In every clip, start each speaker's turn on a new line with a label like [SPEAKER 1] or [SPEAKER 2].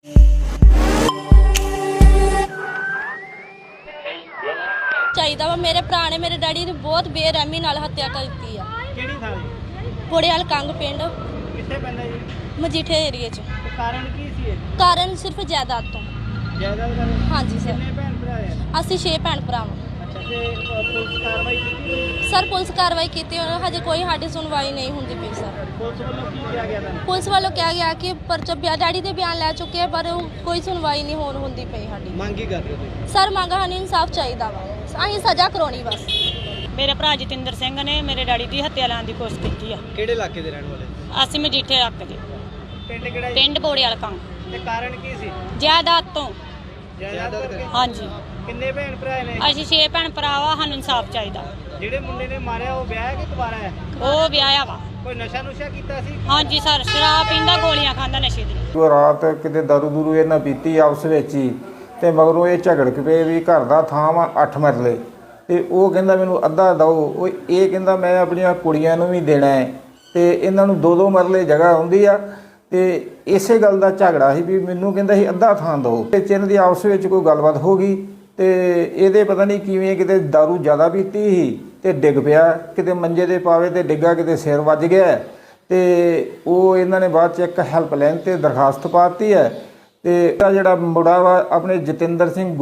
[SPEAKER 1] ਚਾਹੀਦਾ ਵਾ। ਮੇਰੇ ਭਰਾ ਨੇ ਮੇਰੇ ਡੈਡੀ ਨੇ ਬਹੁਤ ਬੇਰਹਿਮੀ ਨਾਲ ਹੱਤਿਆ ਕਰ ਦਿੱਤੀ ਆ।
[SPEAKER 2] ਕਿਹੜੀ ਥਾਂ ਜੀ?
[SPEAKER 1] ਬੋੜੇਵਾਲ ਕੰਗ ਪਿੰਡ
[SPEAKER 2] ਕਿੱਥੇ ਪੈਂਦਾ ਜੀ?
[SPEAKER 1] ਮਜੀਠੇ ਏਰੀਏ 'ਚ।
[SPEAKER 2] ਤੇ ਕਾਰਨ ਕੀ ਸੀ ਇਹ?
[SPEAKER 1] ਕਾਰਨ ਸਿਰਫ ਜਾਇਦਾਦ ਤੋਂ।
[SPEAKER 2] ਜਾਇਦਾਦ ਕਾਰਨ?
[SPEAKER 1] ਹਾਂਜੀ ਸਰ।
[SPEAKER 2] ਕਿੰਨੇ ਭੈਣ ਭਰਾ ਆ?
[SPEAKER 1] ਅਸੀਂ 6 ਭੈਣ ਭਰਾ ਵਾਂ।
[SPEAKER 2] ਅੱਛਾ, ਤੇ ਪੁਲਿਸ ਕਾਰਵਾਈ ਕੀਤੀ?
[SPEAKER 1] ਸਰ ਪੁਲਿਸ ਕਾਰਵਾਈ ਕੀਤੀ, ਹਜੇ ਕੋਈ ਸਾਡੀ ਸੁਣਵਾਈ ਨਹੀਂ ਹੁੰਦੀ ਪਈ ਸਰ।
[SPEAKER 2] ਪੁਲਿਸ ਵੱਲੋਂ ਕੀ ਕਿਹਾ ਗਿਆ ਤੁਹਾਨੂੰ?
[SPEAKER 1] ਪੁਲਿਸ ਵੱਲੋਂ ਕਿਹਾ ਗਿਆ ਕਿ ਪਰਚਾ ਡੈਡੀ ਦੇ ਬਿਆਨ ਲੈ ਚੁੱਕੇ ਆ, ਪਰ ਕੋਈ ਸੁਣਵਾਈ ਨਹੀਂ ਹੁੰਦੀ ਪਈ ਸਾਡੀ।
[SPEAKER 2] ਮੰਗ ਕੀ ਕਰ ਰਹੇ ਹੋ ਤੁਸੀਂ?
[SPEAKER 1] ਸਰ ਮੰਗ ਸਾਨੂੰ ਇਨਸਾਫ ਚਾਹੀਦਾ ਵਾ, ਅਸੀਂ ਸਜ਼ਾ ਕਰਾਉਣੀ ਬਸ।
[SPEAKER 3] ਮੇਰੇ ਭਰਾ ਜਤਿੰਦਰ ਸਿੰਘ ਨੇ ਮੇਰੇ ਡੈਡੀ ਦੀ ਹੱਤਿਆ ਲਾਉਣ ਦੀ ਕੋਸ਼ਿਸ਼ ਕੀਤੀ ਆ।
[SPEAKER 2] ਕਿਹੜੇ ਇਲਾਕੇ ਦੇ ਰਹਿਣ ਵਾਲੇ?
[SPEAKER 3] ਅਸੀਂ ਮਜੀਠੇ ਰੱਖ ਦੇ
[SPEAKER 2] ਪਿੰਡ ਕਿਹੜਾ ਜੀ?
[SPEAKER 3] ਪਿੰਡ ਬੋੜੇਵਾਲ ਕੰਗ।
[SPEAKER 2] ਤੇ ਕਾਰਨ ਕੀ ਸੀ?
[SPEAKER 3] ਜਾਇਦਾਦ ਤੋਂ।
[SPEAKER 2] ਜਾਇਦਾਦ ਕਰਕੇ?
[SPEAKER 3] ਹਾਂਜੀ,
[SPEAKER 2] ਕਿੰਨੇ ਭੈਣ ਭਰਾ ਨੇ?
[SPEAKER 3] ਅਸੀਂ 6 ਭੈਣ ਭਰਾ ਵਾ, ਸਾਨੂੰ ਇਨਸਾਫ ਚਾਹੀਦਾ।
[SPEAKER 2] ਜਿਹੜੇ ਮੁੰਡੇ ਨੇ ਮਾਰਿਆ ਉਹ ਵਿਆਹ ਕਿ ਕੁਵਾਰਾ ਹੈ?
[SPEAKER 3] ਉਹ ਵਿਆਹਿਆ ਵਾ।
[SPEAKER 2] ਕੋਈ ਨਸ਼ਾ ਨੁਸ਼ਾ ਕੀਤਾ ਸੀ?
[SPEAKER 3] ਹਾਂਜੀ ਸਰ, ਸ਼ਰਾਬ ਪੀਂਦਾ, ਗੋਲੀਆਂ ਖਾਂਦਾ ਨਸ਼ੇ ਦੀ।
[SPEAKER 4] ਉਹ ਰਾਤ ਕਿਤੇ ਦਾਰੂ ਦੂਰੂ ਇਹਨਾਂ ਪੀਤੀ ਆਪਸ ਵਿੱਚ ਹੀ, ਤੇ ਮਗਰੋਂ ਇਹ ਝਗੜ ਪਏ ਵੀ ਘਰ ਦਾ ਥਾਂ ਵਾ 8 ਮਰਲੇ, ਤੇ ਉਹ ਕਹਿੰਦਾ ਮੈਨੂੰ ਅੱਧਾ ਦਿਓ, ਉਹ ਇਹ ਕਹਿੰਦਾ ਮੈਂ ਆਪਣੀਆਂ ਕੁੜੀਆਂ ਨੂੰ ਵੀ ਦੇਣਾ ਹੈ, ਤੇ ਇਹਨਾਂ ਨੂੰ 2-2 ਮਰਲੇ ਜਗ੍ਹਾ ਹੁੰਦੀ ਆ। ਤੇ ਇਸੇ ਗੱਲ ਦਾ ਝਗੜਾ ਸੀ ਵੀ ਮੈਨੂੰ ਕਹਿੰਦਾ ਸੀ ਅੱਧਾ ਥਾਂ ਦਿਓ। ਤੇ ਚਿੰਨ ਦੀ ਆਪਸ ਵਿੱਚ ਕੋਈ ਗੱਲਬਾਤ ਹੋ ਗਈ, ਤੇ ਇਹਦੇ ਪਤਾ ਨਹੀਂ ਕਿਵੇਂ ਕਿਤੇ ਦਾਰੂ ਜ਼ਿਆਦਾ ਪੀਤੀ ਸੀ ਤੇ ਡਿੱਗ ਪਿਆ, ਕਿਤੇ ਮੰਜੇ ਦੇ ਪਾਵੇ ਤੇ ਡਿੱਗਾ, ਕਿਤੇ ਸਿਰ ਵੱਜ ਗਿਆ। ਤੇ ਉਹ ਇਹਨਾਂ ਨੇ ਬਾਅਦ 'ਚ ਇੱਕ ਹੈਲਪਲਾਈਨ ਤੇ ਦਰਖਾਸਤ ਪਾਤੀ ਹੈ। ਤੇ ਜਿਹੜਾ ਮੁੰਡਾ ਵਾ ਆਪਣੇ ਜਤਿੰਦਰ ਸਿੰਘ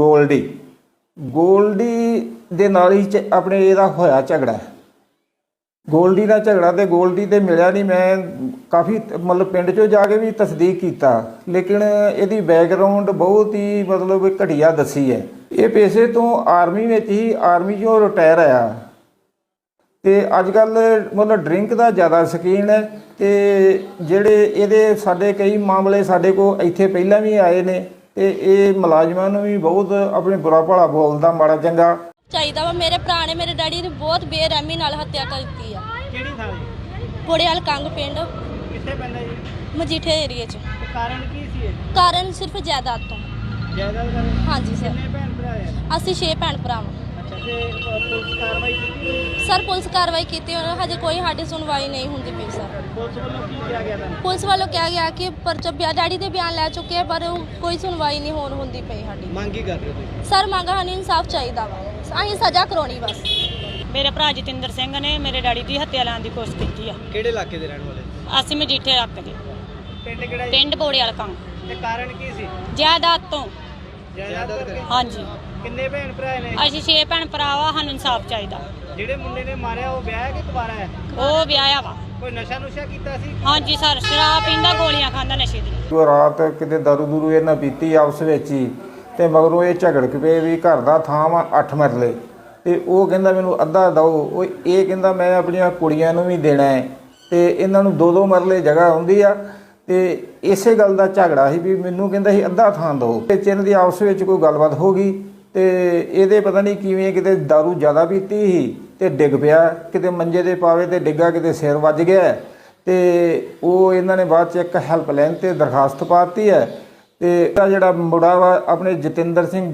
[SPEAKER 4] ਗੋਲਡੀ ਦੇ ਨਾਲ ਹੀ ਆਪਣੇ ਇਹਦਾ ਹੋਇਆ ਝਗੜਾ। ਗੋਲਡੀ ਨਾਲ ਝਗੜਾ, ਤੇ ਗੋਲਡੀ ਤੇ ਮਿਲਿਆ ਨਹੀਂ। ਮੈਂ ਕਾਫੀ ਮਤਲਬ ਪਿੰਡ 'ਚੋਂ ਜਾ ਕੇ ਵੀ ਤਸਦੀਕ ਕੀਤਾ, ਲੇਕਿਨ ਇਹਦੀ ਬੈਕਗਰਾਉਂਡ ਬਹੁਤ ਹੀ ਮਤਲਬ ਘਟੀਆ ਦੱਸੀ ਹੈ। ਇਹ ਪੇਸ਼ੇ ਤੋਂ ਆਰਮੀ ਵਿੱਚ ਹੀ, ਆਰਮੀ 'ਚੋਂ ਰਿਟਾਇਰ ਆਇਆ, ਤੇ ਅੱਜ ਕੱਲ੍ਹ ਮਤਲਬ ਡਰਿੰਕ ਦਾ ਜ਼ਿਆਦਾ ਸ਼ੌਕੀਨ ਹੈ। ਤੇ ਜਿਹੜੇ ਇਹਦੇ ਸਾਡੇ ਕਈ ਮਾਮਲੇ ਸਾਡੇ ਕੋਲ ਇੱਥੇ ਪਹਿਲਾਂ ਵੀ ਆਏ ਨੇ, ਤੇ ਇਹ ਮੁਲਾਜ਼ਮਾਂ ਨੂੰ ਵੀ ਬਹੁਤ ਆਪਣੇ ਬੁਰਾ ਭਲਾ ਬੋਲਦਾ, ਮਾੜਾ ਚੰਗਾ
[SPEAKER 1] ਚਾਹੀਦਾ ਵਾ। ਮੇਰੇ ਭਰਾ ਨੇ ਮੇਰੇ ਡੈਡੀ ਨੇ ਬਹੁਤ ਬੇਰਹਿਮੀ ਨਾਲ ਹੱਤਿਆ ਕਰ ਦਿੱਤੀ ਆ।
[SPEAKER 2] ਕਿਹੜੀ ਥਾਂ ਜੀ?
[SPEAKER 1] ਬੋੜੇਵਾਲ ਕੰਗ ਪਿੰਡ
[SPEAKER 2] ਕਿੱਥੇ ਪੈਂਦਾ ਜੀ?
[SPEAKER 1] ਮਜੀਠੇ ਏਰੀਏ 'ਚ।
[SPEAKER 2] ਤੇ ਕਾਰਨ ਕੀ ਸੀ ਇਹ?
[SPEAKER 1] ਕਾਰਨ ਸਿਰਫ ਜਾਇਦਾਦ ਤੋਂ।
[SPEAKER 2] ਜਾਇਦਾਦ ਕਾਰਨ?
[SPEAKER 1] ਹਾਂਜੀ ਸਰ।
[SPEAKER 2] ਕਿੰਨੇ ਭੈਣ ਭਰਾ ਆ?
[SPEAKER 1] ਅਸੀਂ 6 ਭੈਣ ਭਰਾ ਵਾਂ।
[SPEAKER 2] ਅੱਛਾ, ਤੇ ਪੁਲਿਸ ਕਾਰਵਾਈ ਕੀਤੀ?
[SPEAKER 1] ਸਰ ਪੁਲਿਸ ਕਾਰਵਾਈ ਕੀਤੀ, ਹਜੇ ਕੋਈ ਸਾਡੀ ਸੁਣਵਾਈ ਨਹੀਂ ਹੁੰਦੀ ਪਈ ਸਰ।
[SPEAKER 2] ਪੁਲਿਸ ਵੱਲੋਂ ਕੀ ਕਿਹਾ ਗਿਆ ਤੁਹਾਨੂੰ?
[SPEAKER 1] ਪੁਲਿਸ ਵੱਲੋਂ ਕਿਹਾ ਗਿਆ ਕਿ ਪਰਚਾ ਡੈਡੀ ਦੇ ਬਿਆਨ ਲੈ ਚੁੱਕੇ ਆ, ਪਰ ਕੋਈ ਸੁਣਵਾਈ ਨਹੀਂ ਹੁੰਦੀ ਪਈ ਸਾਡੀ।
[SPEAKER 2] ਮੰਗ ਕੀ ਕਰ ਰਹੇ ਹੋ ਤੁਸੀਂ?
[SPEAKER 1] ਸਰ ਮੰਗ ਸਾਨੂੰ ਇਨਸਾਫ ਚਾਹੀਦਾ ਵਾ, ਅਸੀਂ ਸਜ਼ਾ ਕਰਾਉਣੀ ਬਸ।
[SPEAKER 3] ਮੇਰੇ ਭਰਾ ਜਤਿੰਦਰ ਸਿੰਘ ਨੇ ਮੇਰੇ ਡੈਡੀ ਦੀ ਹੱਤਿਆ ਲਾਉਣ ਦੀ ਕੋਸ਼ਿਸ਼ ਕੀਤੀ ਆ।
[SPEAKER 2] ਕਿਹੜੇ ਇਲਾਕੇ ਦੇ ਰਹਿਣ ਵਾਲੇ?
[SPEAKER 3] ਅਸੀਂ ਮਜੀਠੇ ਰੱਖ ਦੇ
[SPEAKER 2] ਪਿੰਡ ਕਿਹੜਾ ਜੀ?
[SPEAKER 3] ਪਿੰਡ ਬੋੜੇਵਾਲ ਕੰਗ।
[SPEAKER 2] ਤੇ ਕਾਰਨ ਕੀ ਸੀ?
[SPEAKER 3] ਜਾਇਦਾਦ ਤੋਂ।
[SPEAKER 2] ਜਾਇਦਾਦ ਕਰਕੇ?
[SPEAKER 3] ਹਾਂਜੀ,
[SPEAKER 2] ਕਿੰਨੇ ਭੈਣ ਭਰਾ ਨੇ?
[SPEAKER 3] ਅਸੀਂ 6 ਭੈਣ ਭਰਾ ਵਾ, ਸਾਨੂੰ ਇਨਸਾਫ ਚਾਹੀਦਾ।
[SPEAKER 2] ਜਿਹੜੇ ਮੁੰਡੇ ਨੇ ਮਾਰਿਆ ਉਹ ਵਿਆਹ ਕਿ ਕੁਵਾਰਾ ਹੈ?
[SPEAKER 3] ਉਹ ਵਿਆਹਿਆ ਵਾ।
[SPEAKER 2] ਕੋਈ ਨਸ਼ਾ ਨੁਸ਼ਾ ਕੀਤਾ ਸੀ?
[SPEAKER 3] ਹਾਂਜੀ ਸਰ, ਸ਼ਰਾਬ ਪੀਂਦਾ, ਗੋਲੀਆਂ ਖਾਂਦਾ ਨਸ਼ੇ ਦੀ।
[SPEAKER 4] ਉਹ ਰਾਤ ਕਿਤੇ ਦਾਰੂ ਦੂਰੂ ਇਹਨਾਂ ਪੀਤੀ ਆਪਸ ਵਿੱਚ ਹੀ, ਤੇ ਮਗਰੋਂ ਇਹ ਝਗੜ ਪਏ ਵੀ ਘਰ ਦਾ ਥਾਂ ਵਾ 8 ਮਰਲੇ, ਤੇ ਉਹ ਕਹਿੰਦਾ ਮੈਨੂੰ ਅੱਧਾ ਦਿਓ, ਉਹ ਇਹ ਕਹਿੰਦਾ ਮੈਂ ਆਪਣੀਆਂ ਕੁੜੀਆਂ ਨੂੰ ਵੀ ਦੇਣਾ ਹੈ, ਤੇ ਇਹਨਾਂ ਨੂੰ 2-2 ਮਰਲੇ ਜਗ੍ਹਾ ਹੁੰਦੀ ਆ। ਤੇ ਇਸੇ ਗੱਲ ਦਾ ਝਗੜਾ ਸੀ ਵੀ ਮੈਨੂੰ ਕਹਿੰਦਾ ਸੀ ਅੱਧਾ ਥਾਂ ਦਿਓ। ਤੇ ਚਿੰਨ ਦੀ ਆਪਸ ਵਿੱਚ ਕੋਈ ਗੱਲਬਾਤ ਹੋ ਗਈ, ਤੇ ਇਹਦੇ ਪਤਾ ਨਹੀਂ ਕਿਵੇਂ ਕਿਤੇ ਦਾਰੂ ਜ਼ਿਆਦਾ ਪੀਤੀ ਸੀ ਤੇ ਡਿੱਗ ਪਿਆ, ਕਿਤੇ ਮੰਜੇ ਦੇ ਪਾਵੇ ਤੇ ਡਿੱਗਾ, ਕਿਤੇ ਸਿਰ ਵੱਜ ਗਿਆ। ਤੇ ਉਹ ਇਹਨਾਂ ਨੇ ਬਾਅਦ 'ਚ ਇੱਕ ਹੈਲਪਲਾਈਨ ਤੇ ਦਰਖਾਸਤ ਪਾਤੀ ਹੈ। ਤੇ ਜਿਹੜਾ ਮੁੰਡਾ ਵਾ ਆਪਣੇ ਜਤਿੰਦਰ ਸਿੰਘ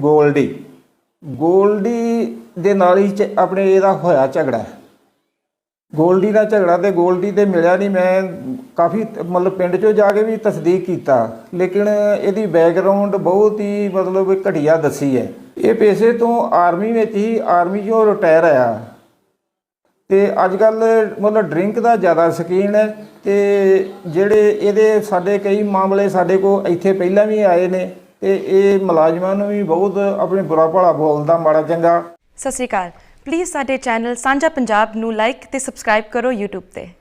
[SPEAKER 4] ਗੋਲਡੀ ਦੇ ਨਾਲ ਹੀ ਆਪਣੇ ਇਹਦਾ ਹੋਇਆ ਝਗੜਾ। ਗੋਲਡੀ ਨਾਲ ਝਗੜਾ, ਤੇ ਗੋਲਡੀ ਤੇ ਮਿਲਿਆ ਨਹੀਂ। ਮੈਂ ਕਾਫੀ ਮਤਲਬ ਪਿੰਡ 'ਚੋਂ ਜਾ ਕੇ ਵੀ ਤਸਦੀਕ ਕੀਤਾ, ਲੇਕਿਨ ਇਹਦੀ ਬੈਕਗਰਾਉਂਡ ਬਹੁਤ ਹੀ ਮਤਲਬ ਘਟੀਆ ਦੱਸੀ ਹੈ। ਇਹ ਪੇਸ਼ੇ ਤੋਂ ਆਰਮੀ ਵਿੱਚ ਹੀ, ਆਰਮੀ 'ਚੋਂ ਰਿਟਾਇਰ ਆਇਆ, ਤੇ ਅੱਜ ਕੱਲ੍ਹ ਮਤਲਬ ਡਰਿੰਕ ਦਾ ਜ਼ਿਆਦਾ ਸ਼ੌਕੀਨ ਹੈ। ਤੇ ਜਿਹੜੇ ਇਹਦੇ ਸਾਡੇ ਕਈ ਮਾਮਲੇ ਸਾਡੇ ਕੋਲ ਇੱਥੇ ਪਹਿਲਾਂ ਵੀ ਆਏ ਨੇ, ਤੇ ਇਹ ਮੁਲਾਜ਼ਮਾਂ ਨੂੰ ਵੀ ਬਹੁਤ ਆਪਣੇ ਬੁਰਾ ਭਲਾ ਬੋਲਦਾ, ਮਾੜਾ ਚੰਗਾ।
[SPEAKER 5] ਸਤਿ ਸ਼੍ਰੀ ਅਕਾਲ। ਪਲੀਜ਼ ਸਾਡੇ ਚੈਨਲ ਸਾਂਝਾ ਪੰਜਾਬ ਨੂੰ ਲਾਈਕ ਤੇ ਸਬਸਕ੍ਰਾਈਬ ਕਰੋ YouTube ਤੇ।